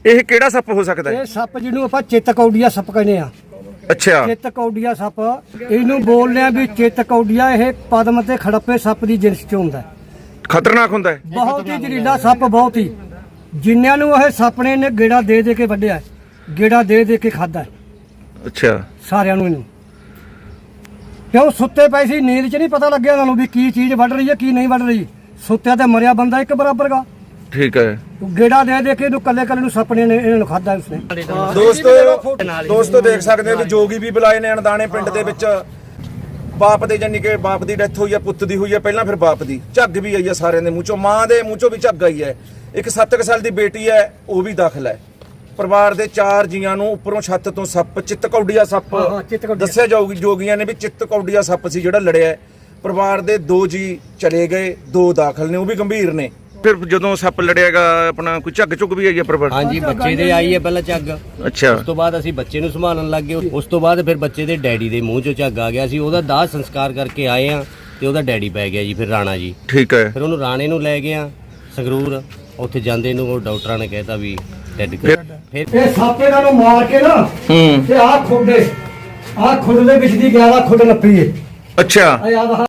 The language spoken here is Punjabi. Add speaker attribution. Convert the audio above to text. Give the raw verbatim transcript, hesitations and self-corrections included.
Speaker 1: ਇਹ ਕਿਹੜਾ ਸੱਪ ਹੋ ਸਕਦਾ ਹੈ?
Speaker 2: ਇਹ ਸੱਪ ਜਿਹਨੂੰ ਆਪਾਂ ਚਿੱਤਕੌਡੀਆ ਸੱਪ ਕਹਿੰਦੇ ਆ।
Speaker 1: ਅੱਛਾ,
Speaker 2: ਚਿੱਤਕੌਡੀਆ ਸੱਪ ਇਹਨੂੰ ਬੋਲਦੇ ਆ ਵੀ ਚਿੱਤਕੌਡੀਆ। ਇਹ ਪਦਮ ਤੇ ਖੜੱਪੇ ਸੱਪ ਦੀ ਜਿਨਸ ਚ ਹੁੰਦਾ।
Speaker 1: ਖਤਰਨਾਕ ਹੁੰਦਾ ਹੈ।
Speaker 2: ਬਹੁਤ ਹੀ ਜ਼ਹਿਰੀਲਾ ਸੱਪ, ਬਹੁਤ ਹੀ। ਜਿਨ੍ਹਾਂ ਨੂੰ ਇਹ ਸੱਪ ਨੇ ਗੇੜਾ ਦੇ ਦੇ ਕੇ ਵੱਢਿਆ, ਗੇੜਾ ਦੇ ਦੇ ਕੇ ਖਾਦਾ।
Speaker 1: ਅੱਛਾ,
Speaker 2: ਸਾਰਿਆਂ ਨੂੰ ਇਹਨੂੰ ਕਿਉਂ ਸੁੱਤੇ ਪਏ ਸੀ, ਨੀਂਦ ਚ ਨਹੀਂ ਪਤਾ ਲੱਗਿਆ ਇਹਨਾਂ ਨੂੰ ਵੀ ਕੀ ਚੀਜ਼ ਵੱਢ ਰਹੀ ਹੈ ਕੀ ਨਹੀਂ ਵੱਢ ਰਹੀ। ਸੁੱਤਿਆ ਤੇ ਮਰਿਆ ਬੰਦਾ ਇੱਕ ਬਰਾਬਰ ਗਾ।
Speaker 1: ਠੀਕ ਹੈ।
Speaker 2: ਗੇੜਾ ਦੇ ਦੇ ਕੇ ਇਹਨੂੰ ਕੱਲੇ ਕੱਲੇ ਨੂੰ ਸੱਪ ਨੇ ਇਹਨਾਂ ਨੂੰ ਖਾਦਾ ਉਸਨੇ।
Speaker 3: ਦੋਸਤੋ ਦੋਸਤੋ ਦੇਖ ਸਕਦੇ ਨੇ ਜੋਗੀ ਵੀ ਬੁਲਾਏ ਨੇ ਅਣਦਾਣੇ ਪਿੰਡ ਦੇ ਵਿੱਚ। ਬਾਪ ਦੇ ਜਾਨੀ ਕਿ ਬਾਪ ਦੀ ਡੈਥ ਹੋਈ ਹੈ, ਪੁੱਤ ਦੀ ਹੋਈ ਹੈ, ਪਹਿਲਾਂ ਫਿਰ ਬਾਪ ਦੀ। ਝੱਗ ਵੀ ਆਈ ਹੈ ਸਾਰਿਆਂ ਦੇ ਮੂੰਹ ਚੋਂ, ਮਾਂ ਦੇ ਮੂੰਹ ਚੋਂ ਵੀ ਝੱਗ ਆਈ ਹੈ। ਇੱਕ ਸੱਤ ਕੁ ਸਾਲ ਦੀ ਬੇਟੀ ਹੈ, ਉਹ ਵੀ ਦਾਖਲ ਹੈ। ਪਰਿਵਾਰ ਦੇ ਚਾਰ ਜੀਆਂ ਨੂੰ ਉੱਪਰੋਂ ਛੱਤ ਤੋਂ ਸੱਪ, ਚਿੱਤਕੌਡੀਆ ਸੱਪ ਦੱਸਿਆ ਜਾਊਗੀ। ਜੋਗੀਆਂ ਨੇ ਵੀ ਚਿੱਤਕੌਡੀਆ ਸੱਪ ਸੀ ਜਿਹੜਾ ਲੜਿਆ। ਪਰਿਵਾਰ ਦੇ ਦੋ ਜੀ ਚਲੇ ਗਏ, ਦੋ ਦਾਖਲ ਨੇ, ਉਹ ਵੀ ਗੰਭੀਰ ਨੇ।
Speaker 1: ਫਿਰ ਜਦੋਂ ਸੱਪ ਲੜਿਆਗਾ ਆਪਣਾ ਕੋਈ ਝੱਗ ਝੁੱਗ ਵੀ ਆਈ ਹੈ ਪਰਿਵਾਰ?
Speaker 4: ਹਾਂਜੀ, ਬੱਚੇ ਦੇ ਆਈ ਹੈ ਪਹਿਲਾਂ ਝੱਗ।
Speaker 1: ਅੱਛਾ,
Speaker 4: ਉਸ ਤੋਂ ਬਾਅਦ ਅਸੀਂ ਬੱਚੇ ਨੂੰ ਸੰਭਾਲਣ ਲੱਗ ਗਏ। ਉਸ ਤੋਂ ਬਾਅਦ ਫਿਰ ਬੱਚੇ ਦੇ ਡੈਡੀ ਦੇ ਮੂੰਹ ਚੋਂ ਝੱਗ ਆ ਗਿਆ ਸੀ। ਉਹਦਾ ਦਾਹ ਸੰਸਕਾਰ ਕਰਕੇ ਆਏ ਆ ਤੇ ਉਹਦਾ ਡੈਡੀ ਪੈ ਗਿਆ ਜੀ, ਫਿਰ ਰਾਣਾ ਜੀ।
Speaker 1: ਠੀਕ ਹੈ।
Speaker 4: ਫਿਰ ਉਹਨੂੰ ਰਾਣੇ ਨੂੰ ਲੈ ਗਏ ਆ ਸੰਗਰੂਰ। ਉੱਥੇ ਜਾਂਦੇ ਨੂੰ ਉਹ ਡਾਕਟਰਾਂ ਨੇ ਕਹਿਤਾ ਵੀ ਡੈਡ।
Speaker 1: ਫਿਰ
Speaker 4: ਫਿਰ
Speaker 2: ਇਹ ਸੱਪ ਇਹਨਾਂ ਨੂੰ ਮਾਰ ਕੇ ਨਾ
Speaker 1: ਹੂੰ,
Speaker 2: ਤੇ ਆਹ ਖੁੱਡੇ, ਆਹ ਖੁੱਡ ਦੇ ਵਿੱਚ ਦੀ ਗਿਆਰਾ ਖੁੱਡ ਨੱਪੀ ਏ।
Speaker 1: ਅੱਛਾ,
Speaker 2: ਆ ਯਾਦ